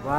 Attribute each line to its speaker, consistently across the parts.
Speaker 1: ว่า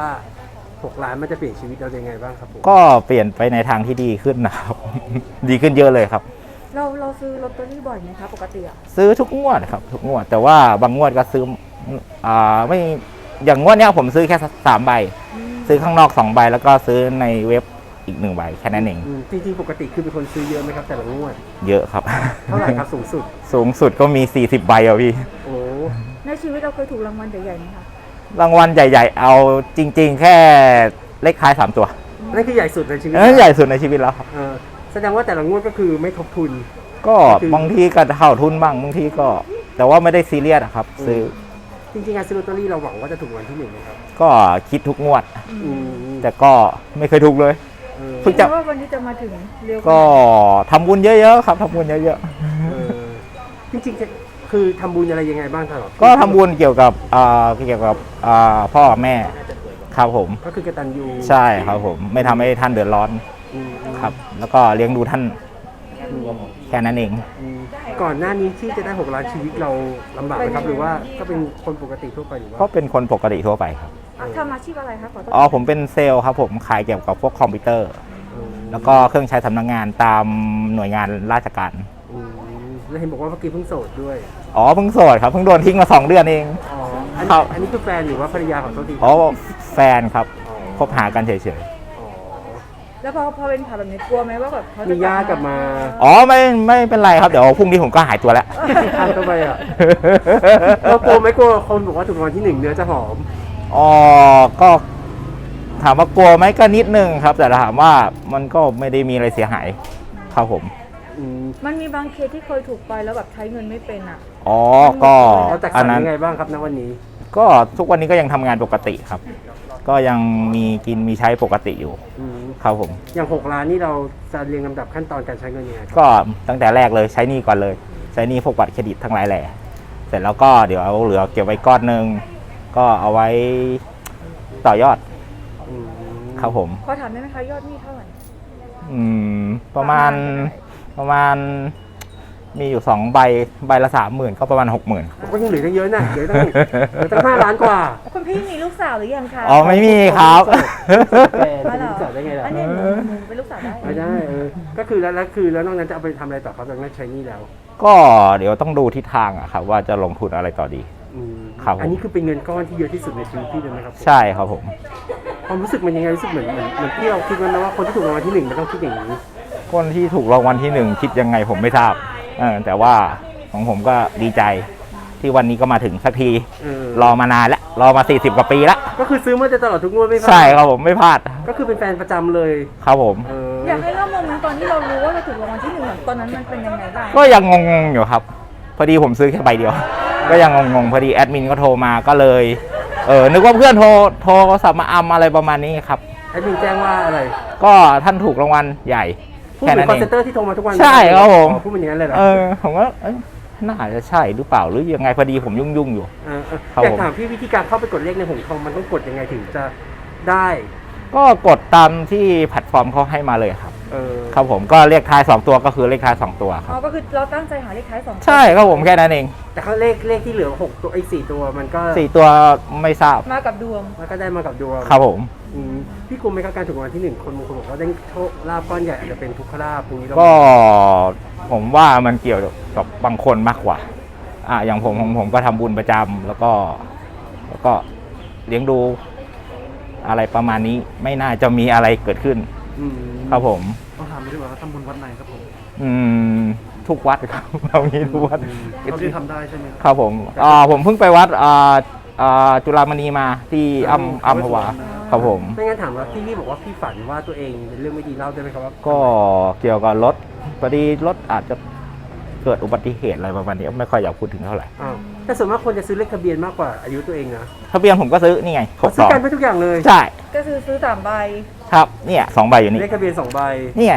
Speaker 1: 6 ล้านมันจะเปลี่ยนชีวิตเรายังไงบ้างครับผม
Speaker 2: ก็เปลี่ยนไปในทางที่ดีขึ้นนะครับ ดีขึ้นเยอะเลยครับ
Speaker 3: เราซื้อลอตเตอรี่บ่อยไหมคะปกติอะ
Speaker 2: ซื้อทุกงวดครับทุกงวดแต่ว่าบางงวดก็ซื้อไม่อย่างงวดเนี้ยผมซื้อแค่3 ใบซื้อข้างนอก2 ใบแล้วก็ซื้อในเว็บอีก1 ใบแค่นั้นเอง
Speaker 1: จริงๆปกติคือเป็นคนซื้อเยอะไหมครับแต่ละงวด
Speaker 2: เยอะครับ
Speaker 1: เท่าไหร่ครับสูงสุด
Speaker 2: สูงสุดก็มี40 ใบอะพี่
Speaker 1: โอ้
Speaker 3: ในชีวิตเราเคยถูกรางวัลใหญ่ๆไหมคะ
Speaker 2: รางวัลใหญ่ๆเอาจริงๆแค่เลขท้าย3 ตัว
Speaker 1: นั่นคือใหญ่สุดในชีวิต
Speaker 2: นั่นใหญ่สุดในชีวิตแล้วครับ
Speaker 1: แสดงว่าแต่ละงวดก็คือไม่ทบทุน
Speaker 2: ก็บางทีก็เข้าทุนบ้างบางทีก็แต่ว่าไม่ได้ซีเรียสครับซื้อ
Speaker 1: จริงๆการซื้อลอตเตอรี่เราหวังว่าจะถูกรางวัลที่1นะครับ
Speaker 2: ก็คิดทุกงวดแต่ก็ไม่เคยถูกเลย
Speaker 3: เพิ่งจะว่าวันนี้จะมาถึงเร็ว
Speaker 2: ก็ทำบุญเยอะๆครับทำบุญเยอะ
Speaker 1: ๆจริงๆคือทำบุญอะไรยังไงบ้างครับ
Speaker 2: ก็ทำบุญเกี่ยวกับพ่อแม่ครับผม
Speaker 1: ก็คือกตัญญู
Speaker 2: ใช่ครับผมไม่ทำให้ท่านเดือดร้อนครับแล้วก็เลี้ยงดูท่านแค่นั้นเอง
Speaker 1: ก่อนหน้านี้ที่จะได้6 ล้านชีวิตเราลำบากไหมครับหรือว่าก็เป็นคนปกติทั่วไปหรือว่า
Speaker 2: ก็เป็นคนปกติทั่วไปครับ
Speaker 3: ทำอาชีพอะไรครับ
Speaker 2: ผมเป็นเซลล์ครับผมขายเกี่ยวกับพวกคอมพิวเตอร์แล้วก็เครื่องใช้สำนักงานตามหน่วยงานราชการ
Speaker 1: แล้วเห็นบอกว่าเมื่อกี้เพิ่งโสดด้วย
Speaker 2: เพิ่งโสดครับเพิ่งโดนทิ้งมา2 เดือนเอง
Speaker 1: อันนี้คือแฟนหรือว่าภรรยาของตัวดี
Speaker 2: แฟนครับคบหากันเฉย
Speaker 3: ๆแล้วพอเป็นข่าวแบบนี้กลัวไหมว่าแบบเขาจะ
Speaker 1: มีญาติกลับมา
Speaker 2: ไม่เป็นไรครับเดี๋ยวพรุ่งนี้ผมก็หายตัวแล้ว
Speaker 1: ทำไมอ่ะเรากลัวไหมกลัวคนบอกว่าถูกรางวัลที่1เนื้อจะหอม
Speaker 2: ก็ถามว่ากลัวไหมก็นิดนึงครับแต่ถามว่ามันก็ไม่ได้มีอะไรเสียหายครับผม
Speaker 3: มันมีบางเคสที่เคยถูกไปแล้วแบบใช้เงินไม่เป็นอ่ะ
Speaker 2: ก็
Speaker 1: อันนั้นยังไงบ้างครับณวันนี้
Speaker 2: ก็ทุกวันนี้ก็ยังทำงานปกติครับก็ยังมีกินมีใช้ปกติอยู่ครับผม
Speaker 1: อย่าง6 ล้านนี่เราจะเรียงลำดับขั้นตอนการใช้เงินยังไง
Speaker 2: ก็ตั้งแต่แรกเลยใช้หนี้ก่อนเลยใช้หนี้พวกบัตรเครดิตทั้งหลายแหล่เสร็จแล้วก็เดี๋ยวเอาเหลือเก็บไว้ก้อนนึงก็เอาไว้ต่อยอดครับผม
Speaker 3: ขอถามได้ไหมคะยอดหนี้เท่าไหร่
Speaker 2: ประมาณมีอยู่2 ใบละ 30,000ก็ประมาณ 60,000
Speaker 1: ก็ยังเหลือเยอะนะเหลือตั้ง5 ล้านกว่า
Speaker 3: คุณพี่มีลูกสาวหรือยังคะ
Speaker 2: ไม่มีครับ
Speaker 1: เป็นลูกสาวได้ไงล่ะ
Speaker 3: อันนี้เป็นลูกสาวได้
Speaker 1: ไม่ได้ก็คือแล้วนอกนั้นจะเอาไปทำอะไรต่อครับหลังจากใช้นี่แล้ว
Speaker 2: ก็เดี๋ยวต้องดูทิศทางอะครับว่าจะลงทุนอะไรต่อดีครับ
Speaker 1: อันนี้คือเป็นเงินก้อนที่เยอะที่สุดในชีวิตพี่เลยไหมครับ
Speaker 2: ใช่ครับผม
Speaker 1: ความรู้สึกมันยังไงรู้สึกเหมือนที่เราคิดว่าคนที่ถูกรางวัลที่1มันต้องคิดอย่างนี้
Speaker 2: คนที่ถูกรางวัลที่1คิดยังไงผมไม่ทราบแต่ว่าของผมก็ดีใจที่วันนี้ก็มาถึงสักทีรอมานานแล้วรอมา40 กว่าปีแล้ว
Speaker 1: ก็คือซื้อมาตลอดทุกงวดไม่พลาด
Speaker 2: ใช่ครับผมไม่พลาด
Speaker 1: ก็คือเป็นแฟนประจำเลย
Speaker 2: ครับผม
Speaker 3: อยากให้เล่าโมเมนต์ตอนที่เรารู้ว่าเราถูกรางวัลที่1ตอนนั้นมันเป็นยังไงบ้าง
Speaker 2: ก็ยังงงๆอยู่ครับพอดีผมซื้อแค่ใบเดียวก็ยังงงๆพอดีแอดมินก็โทรมาก็เลยนึกว่าเพื่อนโทรศัพท์มาอะไรประมาณนี้ครับ
Speaker 1: แอดมินแจ้งว่าอะไร
Speaker 2: ก็ท่านถูกรางวัลใหญ่
Speaker 1: แค่นั้นเองคอนเซ็นเตอร์ที่โทรมาทุกวัน
Speaker 2: ใช่ครับผม
Speaker 1: พูดเป็นอย่างนั้นเลยเหรอ
Speaker 2: ผมว่าน่าจะใช่หรือเปล่าหรือยังไงพอดีผมยุ่งอยู่
Speaker 1: อยากถามพี่วิธีการเข้าไปกดเลขในหงทองมันต้องกดยังไงถึงจะได้
Speaker 2: ก็กดตามที่แพลตฟอร์มเขาให้มาเลยครับครับผมก็เลขท้าย2 ตัวก็คือเลขท้าย2 ตัวครับ
Speaker 3: ก็คือเราตั้งใจหาเลขท้าย2
Speaker 2: ใช่ครับผมแค่นั้นเอง
Speaker 1: แต่เขาเลขที่เหลือ6 ตัว4 ตัวมันก็
Speaker 2: 4 ตัวไม่ทราบ
Speaker 3: มากับดวง
Speaker 1: มันก็ได้มากับดวง
Speaker 2: ครับผม
Speaker 1: พี่กลัวไหมครับการถูกรางวัลที่1คนบางคนบอกว่าได้โชคลาภก้อนใหญ่อาจจะเป็นทุกขลาภตรงนี้
Speaker 2: ก็ผมว่ามันเกี่ยวกับบางคนมากกว่าอย่างผมก็ทำบุญประจำแล้วก็เลี้ยงดูอะไรประมาณนี้ไม่น่าจะมีอะไรเกิดขึ้นครับผม
Speaker 1: ต้องถามด้วยว่าทำบุญวัดไหนครับผม
Speaker 2: ทุกวัดครับเรามีทุกวัด
Speaker 1: เราที่ทำได้ใช่ไหม
Speaker 2: ครับผมผมเพิ่งไปวัดจุฬามณีมาที่อัมพวาครับผม
Speaker 1: ไม่งั้นถามว่าพี่บอกว่าพี่ฝันว่าตัวเองเป็นเรื่องไม่ดีเล่าได้ไหมครับว่า
Speaker 2: ก็เกี่ยวกับรถพอดีรถอาจจะเกิดอุบัติเหตุอะไรประมาณนี้ไม่ค่อยอยากพูดถึงเท่าไหร่
Speaker 1: แต่ส่วนมากคนจะซื้อเลขทะเบียนมากกว่าอายุตัวเองนะ
Speaker 2: ทะเบียนผมก็ซื้อนี่ไง
Speaker 1: ซื้อกันไปทุกอย่างเลย
Speaker 2: ใช่
Speaker 3: ก็ซื้อ3 ใบ
Speaker 2: ครับเนี่ย2 ใบอยู่นี่
Speaker 1: เลขทะเบียน2 ใบ
Speaker 2: นี่ไง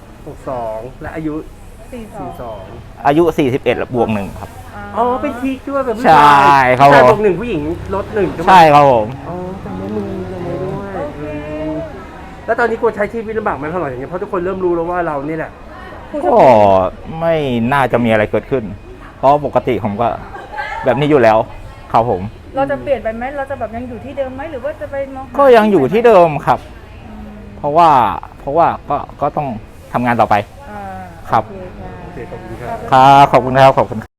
Speaker 1: 62และอายุ
Speaker 3: 42
Speaker 2: อายุ41+1ครับ
Speaker 1: เป็นทีคิดว่าแบบ
Speaker 2: ใช่ครับผม
Speaker 1: บวก1ผู้หญิงลด1
Speaker 2: ใช่ครับผม
Speaker 1: จำได้มือด้วยแล้วตอนนี้กลัวใช้ชีวิตลำบากไหมเท่าไหร่อย่างเงี้ยเพราะทุกคนเริ่มรู้แล้วว่าเรานี่แหละ
Speaker 2: ก็ไม่น่าจะมีอะไรเกิดขึ้นเพราะปกติผมก็แบบนี้อยู่แล้วครับผม
Speaker 3: เราจะเปลี่ยนไปไหมเราจะแบบยังอยู่ที่เดิมไหมหรือว่าจะไปมองหา
Speaker 2: ก็ยังอยู่ที่เดิมครับ
Speaker 3: อืม
Speaker 2: เพราะว่าก็ต้องทำงานต่อไป
Speaker 3: อ่า
Speaker 2: ครับ
Speaker 3: โอเคค่ะ
Speaker 1: โอเคขอบคุณครับ
Speaker 2: ครับขอบคุณครับขอบคุณ